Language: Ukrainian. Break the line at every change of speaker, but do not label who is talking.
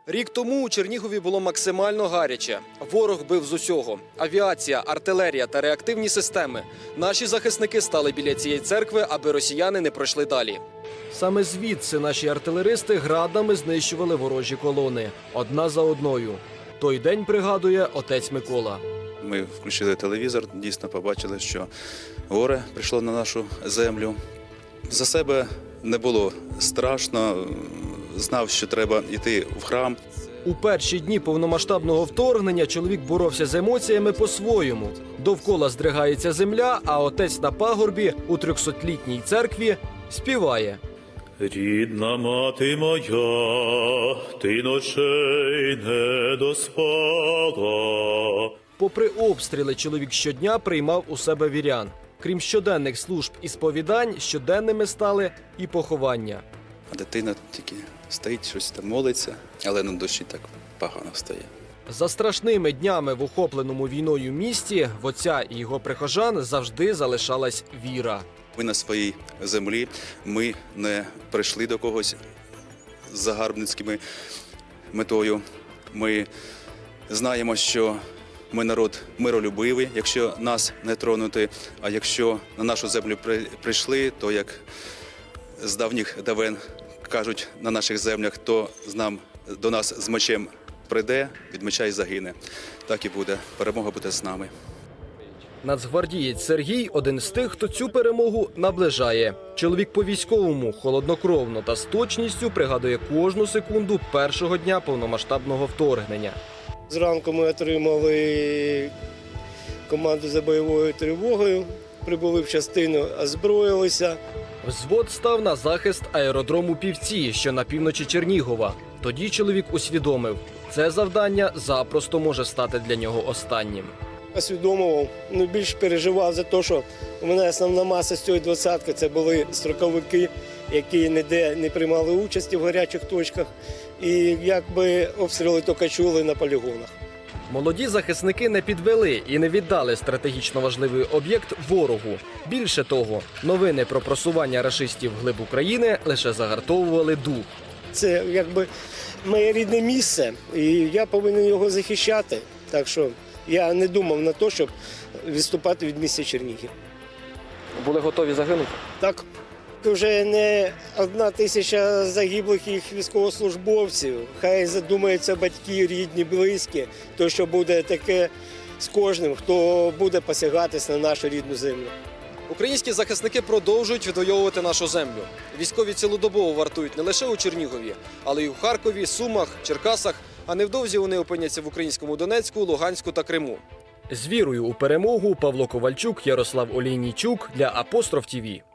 Рік тому у Чернігові було максимально гаряче. Ворог бив з усього. Авіація, артилерія та реактивні системи. Наші захисники стали біля цієї церкви, аби росіяни не пройшли далі. Саме звідси наші артилеристи градами знищували ворожі колони. Одна за одною. Той день пригадує отець Микола.
Ми включили телевізор, дійсно побачили, що горе прийшло на нашу землю. За себе не було страшно, знав, що треба йти в храм.
У перші дні повномасштабного вторгнення чоловік боровся з емоціями по-своєму. Довкола здригається земля, а отець на пагорбі у 300-літній церкві співає.
Рідна мати моя, ти ночей не доспала.
Попри обстріли, чоловік щодня приймав у себе вірян. Крім щоденних служб і сповідань, щоденними стали і поховання.
А дитина тільки стоїть, щось там молиться, але на душі так погано стає.
За страшними днями в охопленому війною місті в отця і його прихожан завжди залишалась віра.
Ми на своїй землі, ми не прийшли до когось з загарбницькими метою. Ми знаємо, що ми народ миролюбивий, якщо нас не тронути, а якщо на нашу землю прийшли, то як з давніх давен кажуть на наших землях, хто до нас з мечем прийде, від меча й загине. Так і буде. Перемога буде з нами.
Нацгвардієць Сергій – один з тих, хто цю перемогу наближає. Чоловік по-військовому, холоднокровно та з точністю пригадує кожну секунду першого дня повномасштабного вторгнення.
Зранку ми отримали команду за бойовою тривогою, прибули в частину, озброїлися.
Взвод став на захист аеродрому Півці, що на півночі Чернігова. Тоді чоловік усвідомив – це завдання запросто може стати для нього останнім.
Усвідомував, більш переживав за те, що у мене основна маса з цієї двадцятки – це були строковики, які ніде не приймали участі в гарячих точках. І якби обстріли тільки чули на полігонах.
Молоді захисники не підвели і не віддали стратегічно важливий об'єкт ворогу. Більше того, новини про просування рашистів вглиб України лише загартовували дух.
Це якби моє рідне місце, і я повинен його захищати. Так що я не думав на те, щоб відступати від міста Чернігів.
Були готові загинути?
Так. Вже не 1000 загиблих їх військовослужбовців. Хай задумаються батьки, рідні, близькі, то що буде таке з кожним, хто буде посягатись на нашу рідну землю.
Українські захисники продовжують відвоювати нашу землю. Військові цілодобово вартують не лише у Чернігові, але й у Харкові, Сумах, Черкасах, а невдовзі вони опиняться в українському Донецьку, Луганську та Криму. З вірою у перемогу Павло Ковальчук, Ярослав Олійнійчук для Апостроф ТІВІ.